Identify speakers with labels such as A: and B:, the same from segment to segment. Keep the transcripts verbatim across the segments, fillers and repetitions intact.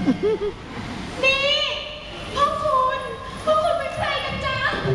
A: นี่พ่อคุณพ่อคุณเป็นใครกันจ๊ะ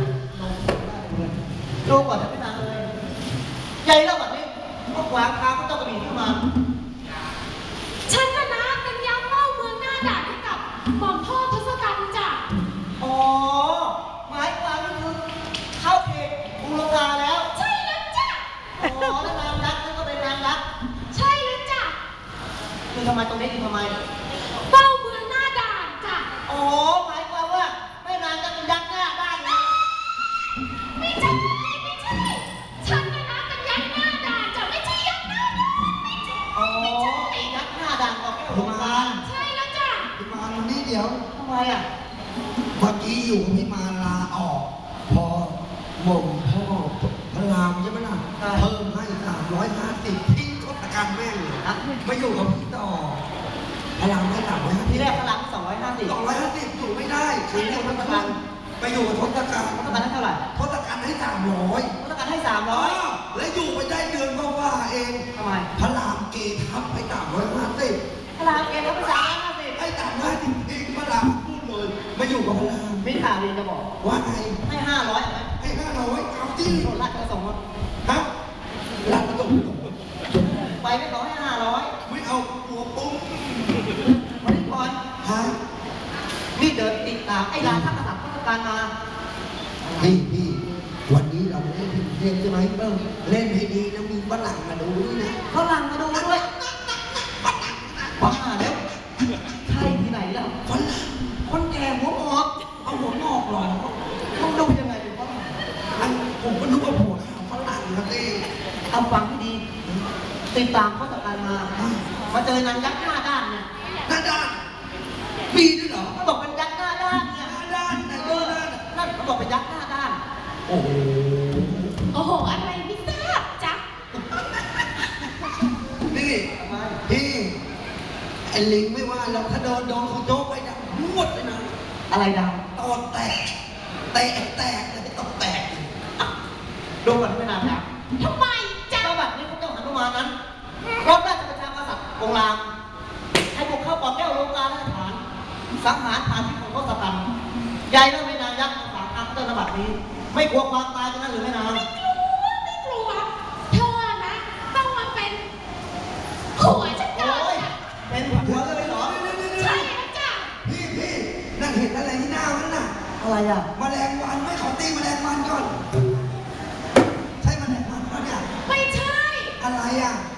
B: ดูก่อนจะไม่นานเลยใหญ่แล้วแบบนี้ก็ขวางทางก็ต้องกระบี่ขึ้นมา
A: ฉันนะนะเป็นยักษ์เฝ้าเมืองหน้าด่านให้กับหม่อมพ่อทศกัณฐ์จ้ะ
B: อ๋อหมายความก็คือเข้าเขตกรุงลงกาแล้ว
A: ใช่แล้วจ้ะ
B: อ๋อแล้วนางยักษ์นั่นก็เป็นนางยักษ์
A: ใช่แล้วจ้ะ
B: คือทำไมตรงนี้คือทำไม
A: เฝ้าเมืองหน้าด่านจ้ะ
B: อ๋อหมายความว่าแม่นางจะเป็นยักษ์หน้าด้านนะ
A: ไม่ใช่ไม่ใช่ฉันนะนะเป็นยักษ์หน้าด่านจ้ะไม่ใช่ยักษ์หน้าด่านไม่ใช่
B: อ๋อยักษ์หน้าด่านของแก้วของมาร
A: ใช่แล้วจ้ะ
C: พี่มารวันนี้เดี๋ยว
B: ทำไมอ่ะ
C: เมื่อกี้อยู่พี่มารลาออกพอหม่อมพ่อพระรามใช่ไหมล่ะเพิ่มให้สามร้อยห้าสิบทิ้งทศกัณฐ์แม่งเลยนะมาอยู่กับพี่ต่อพระรามให้สามร้อยห้าสิบ
B: ทีแรกพระรามสองร้อยห้าสิบ
C: สองร้อยห้าสิบอยู่ไม่ได้คือเรียกทศกัณฐ์ไปอยู่กับทศกัณฐ์
B: ทศกัณฐ์ให้เท่าไหร่
C: ทศกัณฐ์ให้สามร้อย
B: ทศกัณฐ์ให้สามร้อย
C: และอยู่ไปได้เดือนก็ว่าเอง
B: ทำไม
C: พระรามเกทับไปสามร้อยห้าสิบ
B: พระรามเกทับไปสามร้อยห้าสิบ
C: ให้สามร้อยจริงๆพระรามพูดเลยมาอยู่กับพระราม
B: ไม่ข่าวดีจะบอก
C: ว่าไง
B: ให้ห้าร้อยไหม
C: ให้ห้าร้อยเอาที่
B: โดนรัดกระสงฆ์
C: ฮะรัดกระสงฆ์
B: ไปไม่ขอให้ห้าร้อย
C: ไม่เอาหัวปุ้ง
B: วันนี้ก่อน
C: ฮะ
B: นี่เดินติดตามไอ้ร้านท่ากษัตริย์ทศกัณฐ์มา
C: พี่พี่วันนี้เราเล่นเพลงใช่ไหมเบิ้งเล่นให้ดีนะมีฝรั่งมาดูนี่นะ
B: ฝรั่งมาดูด้วยบ้าแล้วใช่ที่ไหนล่ะ
C: ฝรั่ง
B: คนแก่หัวงอกเอาหัวงอกหรอต้องดูยังไงเป็นฝรั่ง
C: อันผมก็นึกว่าผัวขาวฝรั่งนะเต้
B: เอาฟังให้ดีติดตามเขาจากการมามาเจอนางยักษ์หน้าด้านเนี่ย
C: หน้าด้านมีด้วยเหรอ
B: เขาบอกเป็นยักษ์หน้าด้านเนี่ย
C: หน้าด้านไหน
B: เออนั่นเขาบอกเป็นยักษ์หน้าด้าน
C: โอ้โห
A: โอ้โหอะไรไม่ทราบจ๊ะ
C: นี่พี่ไอ้ลิงไม่ว่าเราถ้าโดนโดนเขาโจ๊กไปดังรวดเลยนะ
B: อะไรดัง
C: ตอแตกแตกแตกเลยตอแตก
B: ดูก่อนที่ไม่นานนะ
A: ทำไมจ๊ะ
B: เจ้าแบบนี้พวกเจ้าหนุมานนั้นรบราชประชากษัตริย์องค์รามให้บุกเข้าปอดแก้วโลกาและฐานสังหารฐานที่ของทศกัณฐ์ใหญ่แล้วไม่นานยักษ์ฝากทางเจ้าระบาดนี้ไม่กลัวความตายกันนั่นหรือไม่นาน
A: ไม่กลัวไม่กลัวเธอนะต้องมาเป็นผัวฉันก่อน
B: เป็นผัวเลยเหรอ
A: ใช่แล้วจ้ะ
C: พี่พี่นั่นเห็นอะไรที่หน้ามันน่ะ
B: อะไรอ่ะ
C: แมลงวันไม่ขอตีแมลงวันก่อนใช่แมลงวันปะเนี่ย
A: ไม่ใช่
C: อะไรอ่ะ